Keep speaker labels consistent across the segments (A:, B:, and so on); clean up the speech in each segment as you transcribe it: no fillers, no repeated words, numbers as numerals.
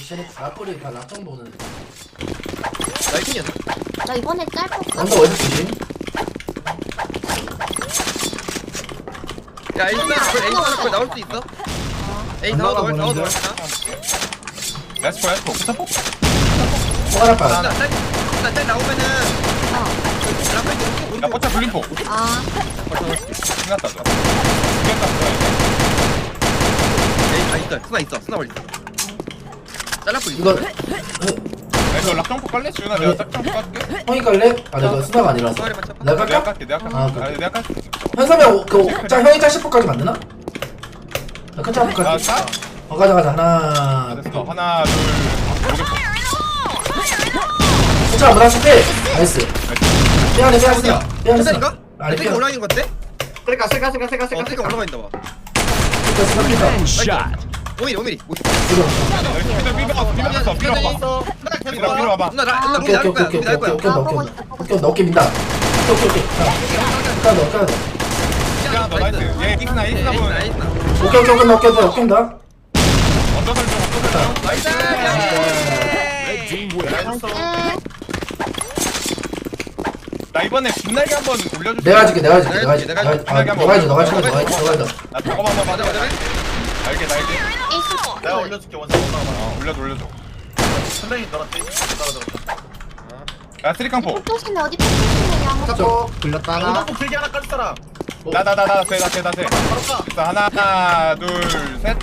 A: 쟤네 라플이 다 락정 보는.
B: 나 1층이었어.
C: 나 이번에 짧고
A: 언더 어디 주심?
B: 야 에이스 나올 나올 수 있어? 에이스 나와 나올 나와 나올
D: 레스포 레스포 부사포
A: 포가라 빠.
B: 나짤 나오면은 라플
D: 야 포차 불림포
C: 아
D: 생각다 줘 생각다
B: 에이 아 있어 스나 있어 스나 멀리 있어 잘라프 있어
A: 이거
D: 이거 락정포 깔래? 지훈아 내가 짝정포 깔게
A: 형이 깔래? 아 내가 수다가 아니라서.
B: 수아리만 쳐봐
A: 내가
D: 내가
A: 깔까?
D: 깔게 내가 깔게
A: 아, 그래.
D: 아니 내가 깔게
A: 현삼이 형이 짤 10%까지 만드나? 나 큰차 한번
D: 나
A: 깔게.
D: 짜?
A: 가자 하나.
D: 됐어 하나 둘 모개포
A: 괜찮아 무난치 빼. 나이스. 빼야네 빼야네. 빼야네.
B: 괜찮은가?
A: 아니
B: 세가 올라가는 것 같아?
E: 세가
B: 세가 올라가 있나 봐
A: 샷.
B: 5mm
D: 삐벼 삐벼 와봐
B: 누나
A: 오케이
B: 나올
A: 오케이
B: 거야
A: 오케이
B: 우리
A: 오케이
B: 나올
A: 오케이
B: 거야
A: 오케이 어깨 민다. 오케이. 까도.
D: 야, 너 나이스. 얘 익스나 보면
A: 오케이 어깨 민다.
D: 언더설 좀
B: 나이스
D: 나 이번에 빛나게 한번 올려줄게.
A: 내가 해줄게.
B: 너가 해줘.
A: 너가 해줘.
D: 나 저거 한번
B: 맞아
D: 맞아. 날개.
E: 내가 올려줄게 원상
D: 올려줘.
E: 선생님 너한테
D: 야, 쓰리깡포.
C: 폭조심해 어디 폭조심해 양호
E: 잡고
A: 굴렸다
E: 운동복 길게 하나 깔 사람
D: 나 세.
E: 바로 까
D: 자, 하나, 둘, 셋.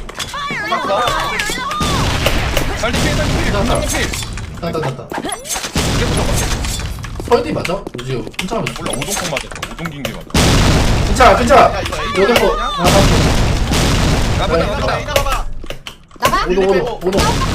D: 빨리 필.
A: 따따따따. 설디 맞아? 요즘 괜찮아.
D: 몰라, 오동콩 맞았어. 오동긴게 맞아.
A: 괜찮아.
E: 야 이거
A: 여기 뭐
B: 나보다
E: 이나 봐봐
C: 나가?
A: 오도.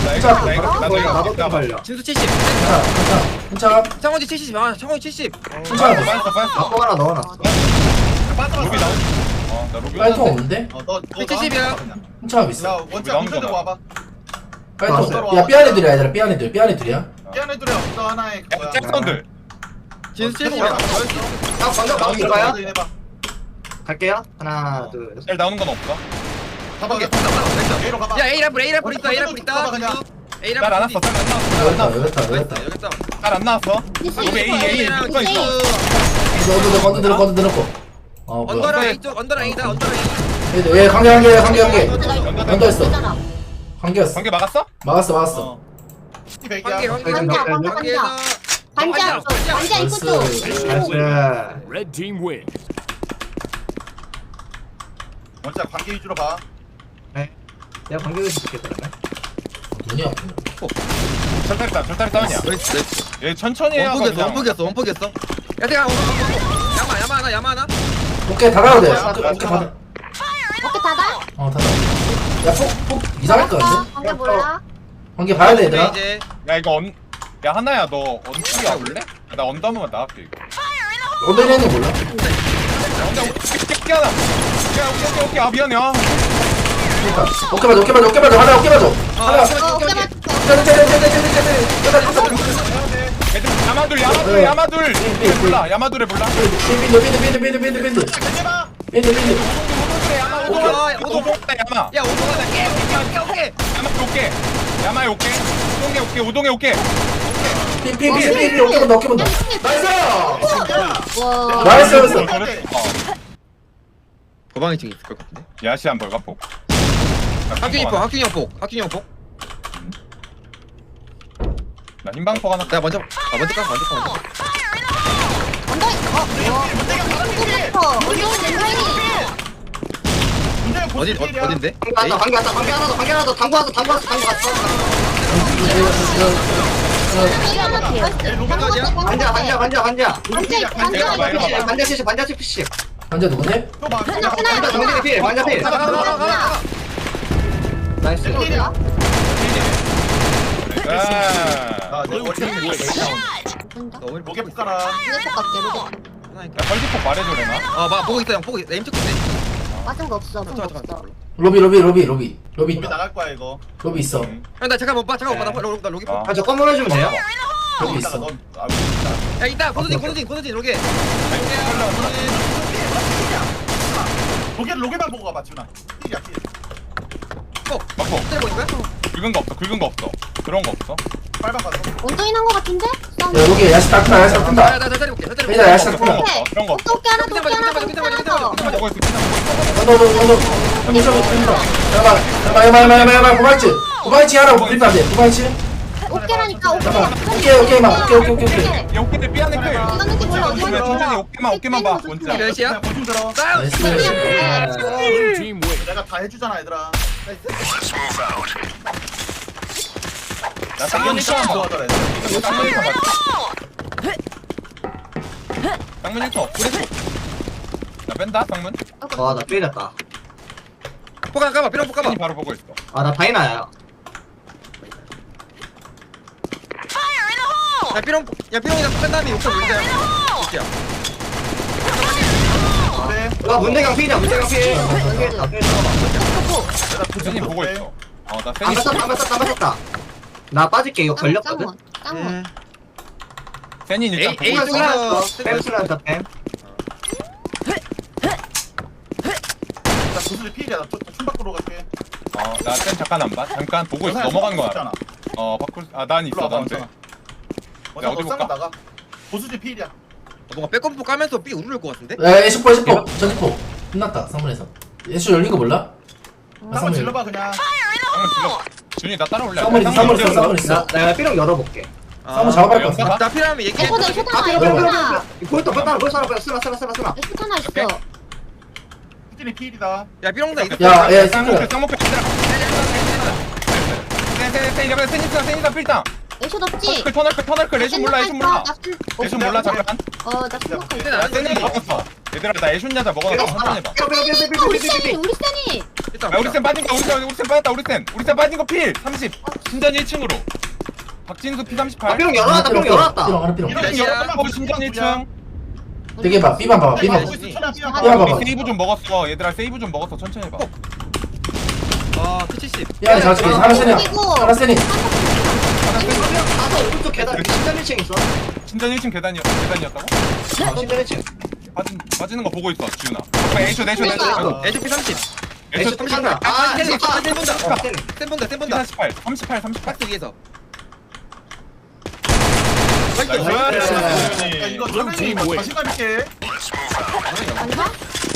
D: 나
B: 진수 70
A: 괜찮아.
B: 창원지 70 아 창원지 70
A: 괜찮아.
D: 빠졌어.
A: 하나 넣어놨어.
D: 로비 나오. 나 로비.
A: 빨통 없는데?
E: 너
B: 70이야
A: 괜찮아 있어.
E: 야 원장 문제 들고 와봐
A: 빨통. 야 삐안 애들이야 얘들아. 삐안 애들이야.
E: 깨어내 둘이 없어 하나에 그거야
D: 잭선들.
B: 진수 70이야
E: 먼저 나오는 거야?
F: 갈게요. 하나, 둘, 셋.
D: 잘 나오는 건 없어.
E: 가봐 A로 가봐
B: 야 A라플 있다 A라플 있다
E: 그냥.
B: A라플
D: 잘 안 왔어.
A: 여기다.
D: 잘 안 나왔어. 로비 A 붙어 있어.
A: 건드 넣고. 어 뭐야?
B: 언더랑 A 쪽 언더랑 A다 언더랑 A
A: 얘 관계. 언더 했어. 관계였어.
D: 관계 막았어?
A: 막았어.
E: 백이야
B: 관계에서
C: 반지야 입구 쪽
F: 나이스.
G: Red team win.
E: 원장 관계 위주로 봐
F: 내가 관계를 시켰다.
A: 눈이 아프네.
D: 절다리 다운이야. 얘 천천히 해야
B: 원폭이었어 야 내가 야마 하나
A: 오케이 닫아도 돼. 오케이 닫아.
C: 어깨 닫아?
A: 어 닫아. 야폭 이상할 것 같은데?
C: 관계 몰라
A: 관계 봐야 돼 얘들아.
B: 이제
D: 야 이거 야 하나야 너 언투기 와볼래? 나 언더 한번 나갈게 이거.
A: 오늘에는 몰라.
D: 언더 깨 하나. 야 오케이 아 미안해.
A: 오케이 맞아. 하나 어깨 맞아. 하나.
C: 어깨 맞
D: 애들 야마둘 몰라 야마둘에 몰라.
A: 빈드.
D: 오동에 야마.
B: 야 오동아 깨
D: 야마에 오케이. 우동에 오케이.
A: 빈 어깨 본다. 나이스.
C: 와
A: 나이스.
B: 도방이 지금 있을 것 같은데
D: 야시한 벌갑복.
B: 학균이 형폭
D: 나 흰방포 하나.
B: 내가 먼저 가 어딘데?
F: 관계 하나 더. 당구 왔어. 반자 PC.
A: 반자 누구네?
F: 정진이 필. 반자 필. 나이스.
D: 야
E: 목에 붙가라
D: 펄지폭 말해줘 레나.
B: 아막 보고 있어 형 보고 있어 M쪽 있네
C: 맞은 거 없어 본 거 없어
A: 로비
E: 우리
A: 있다.
E: 나갈 거야 이거
A: 로비 있어.
B: 형나 잠깐만 봐 나 로기
D: 아.
F: 저 건물 해주면 돼요?
A: 로비
E: 이따가
A: 있어.
B: 야 이따 고소진 로게
E: 로게만 보고 가봐 지훈아 필이야 필
D: 맞고.
B: 때리고 있는 거야?
D: 긁은 거 없어. 긁은 거 없어. 그런 거 없어.
E: 빨방 갔어.
C: 원동이 난거 같은데?
A: 야 여기 야시 딱 뜬다 야시 딱 뜬다
B: 나 때려볼게. 나 때려볼게.
A: 얘들아 야시 딱
D: 그런 거
A: 뜬다
D: 없어. 그런 거 없어.
C: 어깨 하나 더, 어깨 하나 더, 어깨 하나 더.
D: 피나 먹어 있어. 피나 먹어 있어.
A: 언더 잠깐만 고발치 고발치 하라고 불리면 안돼 고발치
C: 어깨라니까, 어깨.
A: 오케이.
D: 야 오케이 삐 안에 클.
C: 이거는 몰라, 어디
D: 천천히
C: 갔어?
D: 어깨만 봐.
C: 조심해.
D: 원짜.
B: 몇이야?
E: 그냥 보충 들어.
A: 나이스
G: Blue team win.
E: 내가 다 해주잖아 얘들아.
D: 나 쌍문이 처음 봐.
E: 좋아하더라 얘들아.
D: 쌍문이 처음 봐. 쌍문이 처음 없어. 나 뺀다 쌍문.
F: 와나 삐렸다.
B: 포가 까봐. 삐롱 포 까봐.
D: 바로 보고 있어.
F: 아나 다이나야.
B: 야 삐롱이가 뺀 다음에 욕설 물자야. 이렇게야.
E: 그래.
F: 와 문대강 피냐 문대강 피.
D: 세니 보고 있어. 나 세니.
F: 땀 나 빠질게 이거 걸렸거든.
C: 짱원.
D: 세니 일단 보고
B: 에이,
D: 있어.
B: 쪽에서
F: 뺨 쓰란다 뺨.
E: 나 구슬이 필이야. 나 춤바꾸러 갈게.
D: 나센 잠깐 안 봐. 잠깐 보고 있어. 넘어가는 거 알아. 바꿀. 난 있어. 나한테.
E: 어디
D: 어디 볼까?
E: 나가. 보수지 필이야.
B: 뭔가 백컴포 까면서 삐 우르를 것 같은데?
A: 야 에시포 전기포 끝났다 상문에서 에시 열린 거 몰라?
E: 한번 질러봐 그냥.
D: 쌍문 질러. 준이 나 따라올래.
A: 쌍문 있어
F: 내가 삐롱 열어볼게.
A: 쌍문 작업할 거 같아
B: 나 필요하면 얘기해.
C: 에코다, 에코다,
F: 삐롱
C: 에코다.
F: 볼도 쓰나.
C: 에코 하나 있어.
E: 후진이 필이다.
B: 야 삐롱다 이거.
A: 야
D: 쌍문 쌍문 세니다 필당.
C: 에쇼 덥지?
D: 터널클 애쉬 몰라 애쉬 몰라 잠깐.
C: 나 생각할게.
D: 야 세니 먹었어. 얘들아 나 애쉬 야자 먹어놨어. 천천히 해봐.
C: 우리 세니, 우리 세니.
B: 일단
D: 야 우리 쌤 빠진 거 우리 쌤 빠졌다 우리 쌤 빠진 거 필 30. 신전 1층으로. 박진수 P 38.
F: 삐롱 열어놨다. 삐롱 열어놨다.
A: 삐롱 하나 삐롱
E: 이렇게
D: 신전 1층.
A: 되게 봐 B만 봐봐 B만 봐
E: 삐야
A: 봐봐.
D: 우리 세이브 좀 먹었어. 얘들아 세이브 좀 먹었어. 천천히 해봐.
B: 아 P70.
A: 야 잘줄게 하나 세니 하나 세니
F: 가서 오른쪽 계단 신전 1층 있어.
D: 신전 1층 계단이었다고?
F: 신전 1층.
D: 빠지는 거 보고 있어 지훈아. 애쇼
C: 그러니까.
B: 에조 P30.
D: 애쇼
F: 에쇼 탄다. 아
B: 쌤 본다.
F: 쌤.
B: 쌤 본다. 쌤 본다.
D: 38.
B: 박스 위에서.
E: 야 이거 저는 이거 자신감 있게.
C: 아닌가?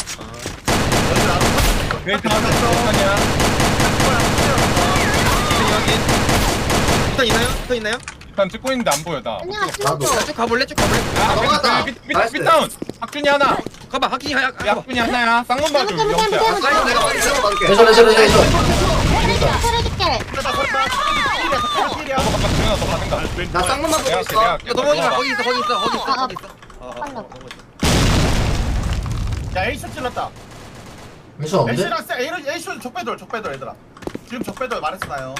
D: 아니야.
B: 일단 있나요? 더 있나요?
D: 일단 찍고 있는데 안 보여 나.
C: 아니야,
F: 나도.
C: 찍었어.
B: 쭉 가볼래? 쭉 가볼래?
F: 넘어갔다.
D: 빗다운. 학준이 하나.
B: 가봐. 학기 하야.
D: 야 학준이 하나야. 쌍문 봐줘.
C: 쌤,
D: 영수야.
F: 사이드 내가 빨리 들어가줄게.
A: 에쇼
C: 차려줄게.
E: 필이야.
D: 너가 봐 지훈아 너 받는다.
F: 나 쌍문만 보고
D: 내가
F: 있어.
B: 야 넘어오지 마. 거기 있어. 거기 있어.
C: 빨라.
E: 야 에이쇼 찔렀다.
A: 에쇼 없는데?
E: 에이쇼랑 에이쇼 적배돌 얘들아. 지금 적배돌 말했어요.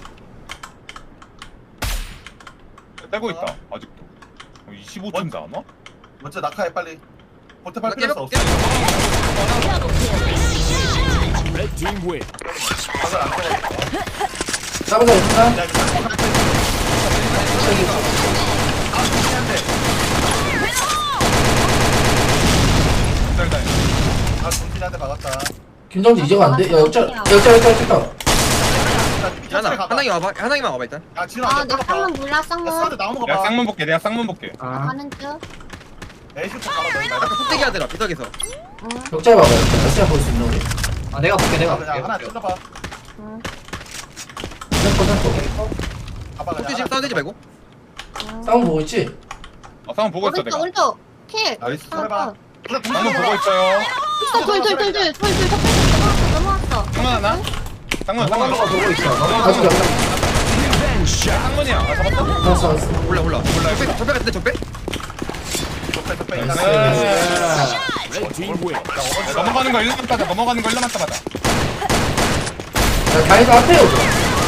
D: 떼고 있다 아직도. 25점 다 안 와?
E: 먼저 낙하해 빨리. 보태팔
B: 깨벽,
E: 필요가 없어.
G: Red team win.
E: 각을 안 떠.
A: 싸보자 있나?
E: 야 이거 쌍문 갈때. 아 중요한데.
D: 기다려.
E: 아 정진한테 박았다.
A: 김정지 이제가 안 돼? 야 역전
B: 하나. 하나만 와봐. 하나만 와봐 일단.
E: 야 진아.
C: 아, 나 쌍문 몰라, 쌍문.
E: 사드 나오는 거
D: 내가
E: 봐.
D: 쌍문 볼게. 내가 쌍문 볼게.
F: 아.
C: 가는 중.
E: 에이쇼 쪽 가봐.
B: 아까 폭대기 하더라. 비석에서.
C: 응,
A: 역자 봐봐 역자 볼수 있는 우리
F: 아 내가 볼게 내가
E: 그냥 하나
F: 볼게.
E: 찔러봐.
C: 응,
A: sempo
E: 가봐
B: 폭대
E: 그냥.
B: 지금 싸우지 말고.
C: 응.
A: 쌍문 보고 있지?
D: 쌍문 보고 있어
C: 오른쪽,
D: 내가.
C: 오른쪽. 킬.
E: 나이스
C: 어,
E: 해봐.
C: 어.
D: 쌍문 보고 있어요.
C: 있어, 돌. 넘어왔어.
D: 쌍문 하나. 쌍문
F: 쌍문만 보고 있어.
A: 아직 없나?
D: 쌍문이야. 잡았어?
A: 알았어
B: 몰라. 적배 같은데 적배?
E: 적배
A: 나이스.
G: Red team win.
D: 넘어가는 거 1만 따자. 넘어가는 거 1만 따자.
A: 야 다이도 앞에 오죠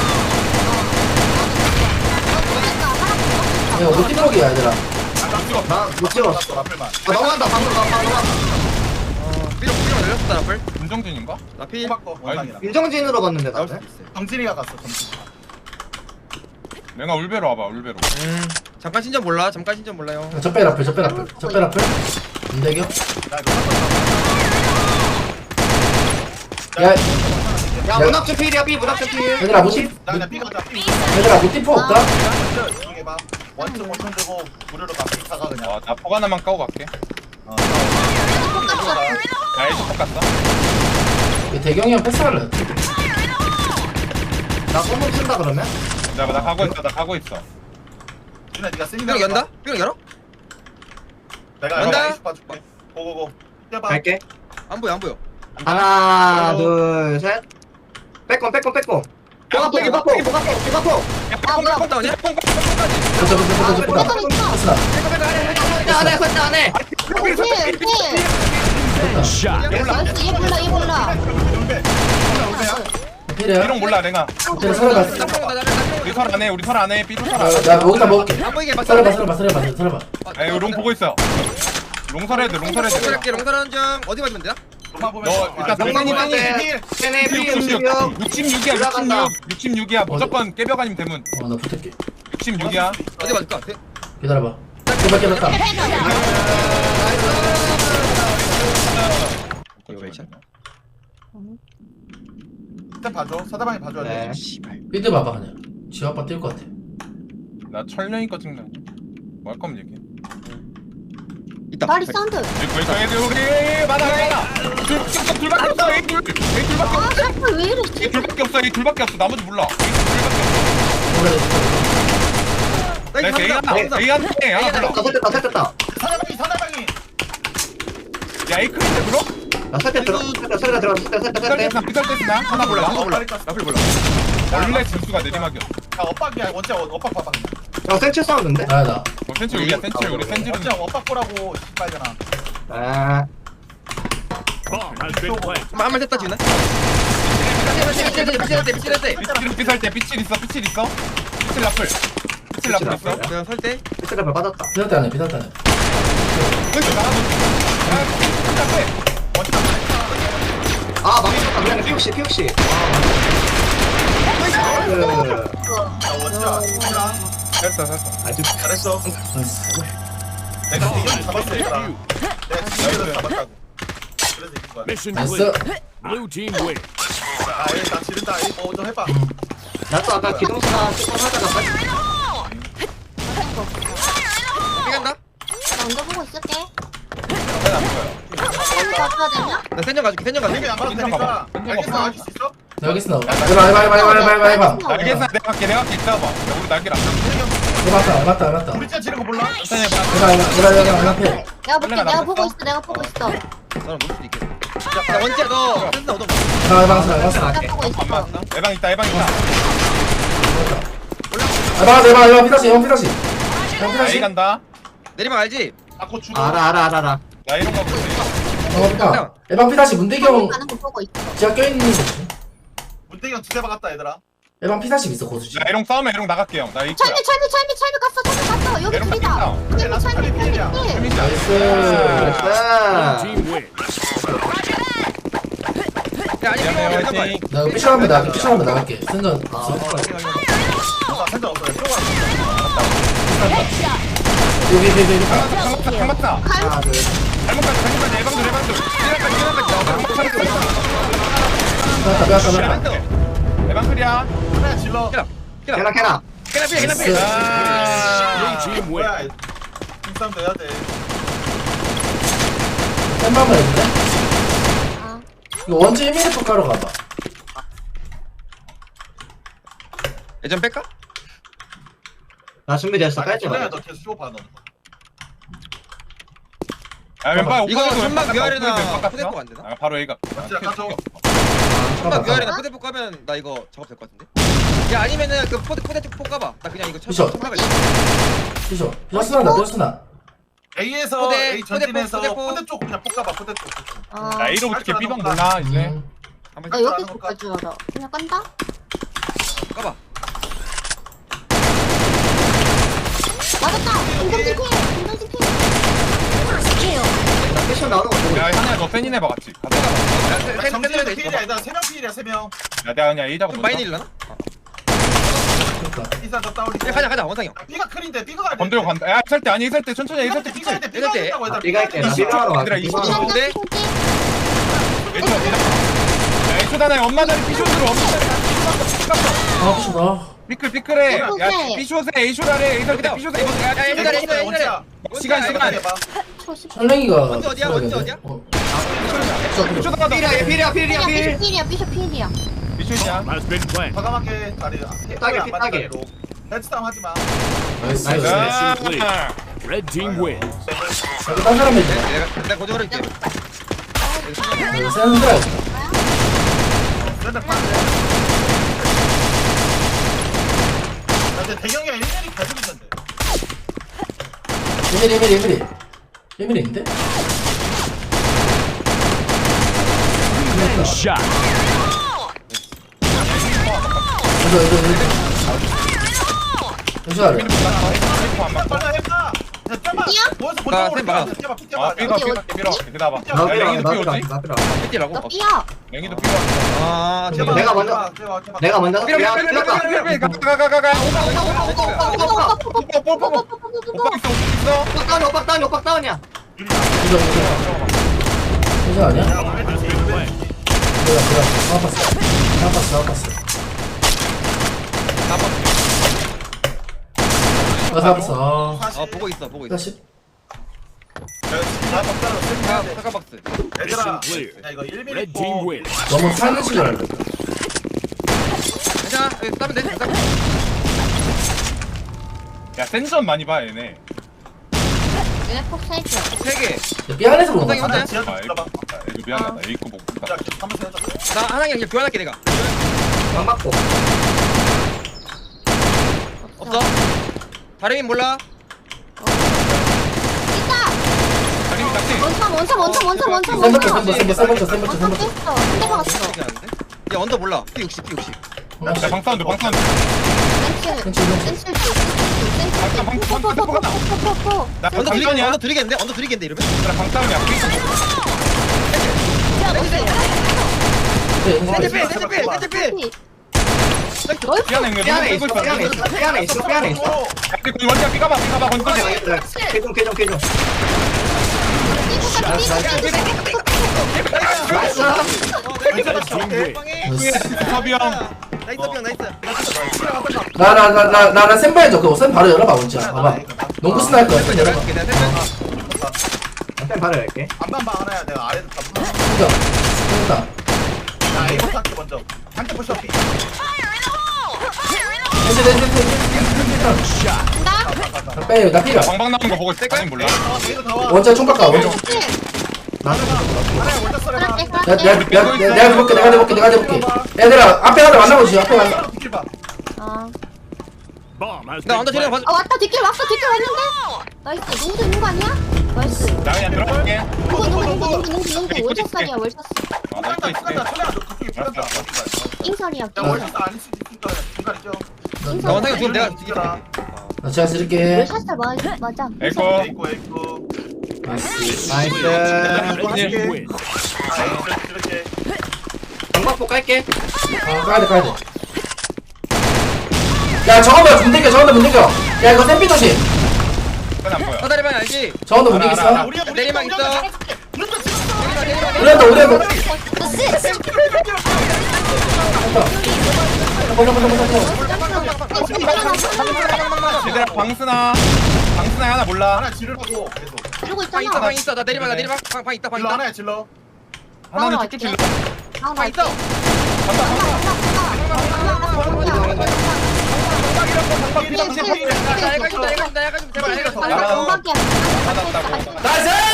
A: 야 우리 팀워크야 얘들아
F: 나못 찍었어.
E: 라플만.
F: 아 넘어간다 방금 넘어간다.
B: 삐롱 열렸다 라플.
D: 김정진인가?
B: 나 필.
E: 바꿔 원상이랑.
F: 임정진으로 봤는데
B: 나올 수
F: 나는.
B: 있어.
E: 정진이가 갔어. 정진.
D: 내가 울베로 와봐. 울베로.
B: 잠깐 신전 몰라. 잠깐 신전 몰라요.
A: 적배 라플 안되겨?
E: 야 이거 바꿔.
A: 야
F: 야 문학준 필이야 삐 문학준 필.
A: 얘들아 무티
E: 나 그냥 삐 가자. 삐.
A: 얘들아 무티포 없다?
E: 이게 봐. 원점 원점 되고 무료로 가. 삐 차가 그냥.
D: 나 포가 하나만 까고 갈게.
E: 어.
D: 야 일찍 갔어.
A: 이 대경이 형 패스할래
F: 나 bomb 쓴다 그러면?
D: 나 가고 있어. 나 가고 있어.
E: 준아 네가 쓰니
B: 삐롱 연다? 삐롱 열어?
E: 내가
B: 연다?
E: 아이스 봐줄게. 고고고. 뛰어봐.
F: 갈게.
B: 안 보여 안 보여.
F: 하나 둘 셋. 빼꼼. 포가포 포가포.
B: 아 뭐야? 다운이야?
A: 보자 보자 패스다
F: 안해 설대 안해.
G: Shot.
C: 나이스 얘 몰라
A: 필이야
D: 삐롱 몰라 내가.
A: 필 살아봤어
D: 우리 설 안해. 우리 설 안해. 삐롱 설
A: 나
D: 안해.
A: 여기다 먹을게
B: 안 보이게 봐.
A: 살아봐
D: 에이 롱 보고 있어. 롱설 해야 돼. 롱설 해야 돼.
B: 롱설할게 롱설하는 중 어디 맞으면 되나?
E: 로마 보면.
D: 너 일단
B: 롱망이
D: 롱망이
B: 빵이.
F: 쟤네 삐
D: 66.
F: 66.
D: 66이야. 66이야. 무조건 깨벽 아니면 되면
A: 어나 붙을게
D: 66이야.
B: 어디 맞을까?
A: 기다려봐 제발 깨졌다
B: 이거 왜 샷?
E: 일단 봐줘. 사다방이 봐줘야 돼.
F: 네.
A: 삐드 봐봐 그냥 지 아빠 뛸 것 같아
D: 나 철령이 거 찍는. 뭐 할 거면 얘기해.
B: 있다.
C: 다리 사운드
D: 이거 애들 우리 많아. 둘밖에 없어. 에이 둘밖에 없어.
C: 아 샤프 왜 이래
D: 이 둘밖에 없어. 이 둘밖에 없어. 나머지 몰라.
B: 나이스
D: 에이 하나. 에이 하나 몰라.
F: 설됐다.
E: 사다방이.
D: 야 에이크인데 불어?
F: 나 설대 들어갔어. 설대.
D: 비쌀 하나 몰라.
E: 나 몰라.
B: 라플 몰라.
D: 원래 진수가 내리막이었어.
E: 야 엇박이야. 원체 엇박 봐봐.
F: 형 센치 사운드인데?
A: 아나
D: 센치 우리야 센치 우리 센치는.
E: 원체 엇박 보라고 씨발잖아.
F: 아.
G: Bomb has been planted.
B: 한말 됐다 지금. 미칠 때.
D: 삐칠 있어. 삐칠 라플 있어.
B: 내가 설 때.
F: 피스레벨 빠졌다.
A: 비쌌다네
F: 아 망쳤다. 미안해 피옥시.
E: 야 원체야.
D: 됐어.
F: 아주
E: 잘했어. 내가 대결을 잡았어 얘들아. 내가 대결을 잡았다고. 그래서 이긴 거야.
G: Mission
A: 나이스
G: clear. Blue team win.
E: 나 지른다. 좀 해봐.
F: 나도 아까 기동수나 조금 하다가
B: 삐간다?
C: 나 먼저 보고 있을게
D: 안 보여.
C: 가져야 되냐?
B: 나 센정 가줄게. 센정 가줄게.
E: 되게 안 봐도 되니까. 알겠어. 알수 있어?
A: 여기 있어 해봐
D: 알겠어. 내가 갈게 있어봐. 우리 날개 안
A: 해봤다
E: 우리 짜 지른 거 몰라?
D: 천천히 해봐.
A: 해봐 앞에
C: 내가 볼게 내가 보고 있어 내가 보고 있어
B: 너는 볼 수도 있겠다. 야 원지야 너 센스 얻어.
A: 해봤어
C: 내가 보고 있어
D: 에방 있다.
A: 해봐 피다시
D: 에이 간다.
B: 내리막 알지?
E: 아코 주고.
F: 알아.
D: 나 이런 거 보지.
A: 에방 피다시 문대경
C: 가는 거 보고 있어
A: 지하 껴있는 거지
E: 문대경 두대 박았다 얘들아.
A: 에방 피다시 있어 고수지
D: 나 이런 싸우면 이런 나갈게 형. 나 이거야.
C: 철미 갔어 여기
D: 에방
C: 둘이다 철미
E: 필이야.
C: 필
A: 나이스
G: Blue team win.
B: 야 아니
D: 미안해요
B: 삐롱 한번
D: 화이팅.
A: 나 피처하면 나갈게 생전
E: 생각 없어.
A: 여기
D: 한 맞다.
F: 하나 둘.
D: 잘못까지 에방도.
A: 빼앗다
D: 에방 클리야.
E: 그래 질러.
F: 캐나.
B: 깨나 삐
A: 나이스
G: Blue
D: 아.
G: team win.
E: 뭐야? 팀싸움도 해야 돼.
A: 쌤방만 해줄래?
C: 아.
A: 이거 원지 1mm 가로 가봐
B: 예전 뺄까?
F: 나 준비됐어. 깔지
E: 질러야
F: 마.
E: 너 계속 쇼 봐 너.
D: 야 왼발
B: 이거 천막 위아래나
D: 왼발
B: 푸대포 안 되나?
D: 바로 A가.
E: 원지야 가져.
B: 천막 위아래나 푸대포 까면 나 이거 작업 될 것 같은데? 야 아니면은 그 푸대포 까봐. 나 그냥 이거
A: 미션.
B: 천막을
A: 피셔 피셔스나
E: A에서
B: 포대,
E: A 전진에서
B: 포대포.
E: 포대 쪽 그냥 뽑아봐. 포대 쪽.
D: 나 A로 어떻게 B방 몰라 이제.
B: 한번
C: 나 여기서 볼줄 알아 그냥 깐다?
B: 까봐.
C: 맞았다 김정진 필
F: 나 패션 나오는 거 보고.
D: 야 한야 너 센인 해봐 같이. 가자.
E: 정진에서 필이야. 나 3명 필이야 3명.
D: 야 내가 그냥 A 잡고.
B: 좀 많이 내릴라나?
E: 이사 더 따올리.
B: 가자 원상이 형.
E: B가 클인데 B가 가야 돼.
D: 건들고 간다. 야 있을 때 아니 있을 때 천천히 있을 때
E: B가
D: 피치.
E: 할 때 B가 된다고 얘들아.
F: 네가 할게. 나
D: 이십
F: 비가 하러
D: 얘들아,
F: 갈게.
D: 이십
F: 비가 하러
B: 초.
F: 갈게.
B: 근데?
D: 얘들아 얘들아. 야 쇼다나에 엄마다리 피쇼으로 엄마다리
A: 아 부셔다.
D: 삐클해. 야
C: 삐끗해.
D: 피쇼에 A쇼다래 A설 때 피쇼에
B: 야 옛날에
D: 시간.
A: 설랭이가
B: 언제 어디야? 언제 어디야?
D: 피쇼다가
F: 필이야 필이야 필이야 필.
C: 필이야 삐셔 필이야.
D: 피쇼냐?
G: Bomb has been planted.
E: 과감하게 다리
F: 삐딱해, 삐딱해.
E: 헤드싸움 하지마.
A: 나이스.
C: 네.
G: 야. Red team win.
A: 저기 딴 사람 해줘.
B: 내가 고정을 할게.
A: 센 거야.
E: 샌들 파는데. 근데 대경이가 1년이 계속 있는데.
A: 예밀인데?
G: Shot.
A: 여기 아래.
E: 빨리 해봐.
C: 삐야?
E: 모여서
B: 나
E: 보자.
B: 쌤 막아.
D: 아 삐가 기다봐.
F: 나
D: 야 랭이도
F: 삐라
D: 삐오지?
F: 나 삐라.
B: 삐띠라고?
C: 너 삐야.
D: 랭이도 삐가.
B: 아 제발.
F: 내가 먼저 내가 먼저 삐라 삐라
D: 가가가가가.
F: 오빠
D: 오빠 있어.
F: 다운 오빠 다운 오빠 다운이야.
A: 여기 아니야?
G: Been planted.
A: 나왔어. 나 잡았어.
B: 보고 있어.
A: 다시.
B: 사과 박스.
E: 얘들아, 야
G: clear.
E: 이거 1mm
G: Red team win.
A: 너무 사는 식을 하려.
B: 괜찮아. 싸면 돼. 싸면 돼.
D: 야 센전 많이 봐 얘네.
C: 얘네 폭 3개.
B: 3개.
A: 삐 안에서 보는
B: 엉덩이
A: 거야.
B: 혼자야?
E: 지하 좀
D: 아
E: 들어봐.
D: 이거 미안하다. A급 못
E: 야,
D: 봤다.
E: 한번 해줘.
B: 나 하나씩 그냥 교환할게 내가.
F: 방 맞고.
B: 없어? 다리민 몰라?
C: 있다.
D: 다리미 같이.
C: 원참.
A: 센 버튼.
C: 원참 뺐어. 한대 박았어.
B: 이렇게 하는데? 야 언더 몰라. P60 P60.
D: 야 방사운드.
C: 센스.
D: 나
B: 언더 들리겠네.
D: 방사운이야.
B: 언더 들리겠는데 이러면?
D: 나 방사운이야.
B: 센터필.
D: 미안해 이거
F: 삐안에 있어.
D: 근데 원자 삐가봐 건조지.
F: 개종. 나이스.
D: 사비 형.
A: 나나 센바 해줘. 그거 센 바로 열어봐 원자. 봐봐. 농구 스나 할 거야. 센 열어봐.
F: 쌤 바로 열게.
E: 안반방 하나야. 내가 아래도 다 붙어.
A: 진짜. 됐다.
E: 야, A부터 할게 먼저. 한대 push up.
A: 빼. 나 필요.
D: 방방 나오는 거 보고 있을 때 몰라.
E: A도 다 와.
A: 원자 총 깎아. 원자.
E: 하나야, 먼저 써라.
A: 내가 해볼게. 얘들아 앞에 하나 만나보지. 앞에 하나.
E: 뒷길 봐.
G: Bomb has
B: 나
G: been
B: 언더 들려
G: planted.
B: 봐.
C: 왔다 뒷길 왔는데 나이스 농구 있는 거 아니야? 나이스
D: 나 그냥 들어갈게.
C: 농구 월샷살이야 월샷
D: 나 입고 있을게.
E: 소리야, 너 그쪽에 풀렸다.
C: 잉설이야
E: 야, 월샷 아닐 수도 있으니까 중간이죠.
B: 나 원상이 지금 내가
E: 이겨라.
A: 나 제가 쓸게.
C: 월샷살 맞아
D: 에이코.
E: 에이코.
A: 나이스.
F: 나이스.
E: 이거
G: Red team
E: 할게.
G: win.
E: 이렇게.
F: 방 맞고 깔게.
A: 가야 돼. 야 저거만 문 댕겨. 야 이거 샌비 조심.
D: 그건 안 보여.
B: 사다리방 알지?
A: 저거도 문 댕겼어.
B: 내리막 있어.
A: 우리한테.
D: 얘들아 방스나 하나 몰라.
E: 하나 지르라고 계속.
C: 이러고
B: 방 있어.
C: 있잖아
B: 방 있어. 나 내리막 방 있다.
E: 질러 하나야, 질러.
D: 하나는 쭉쭉 질러.
B: 방 있어.
C: 나이스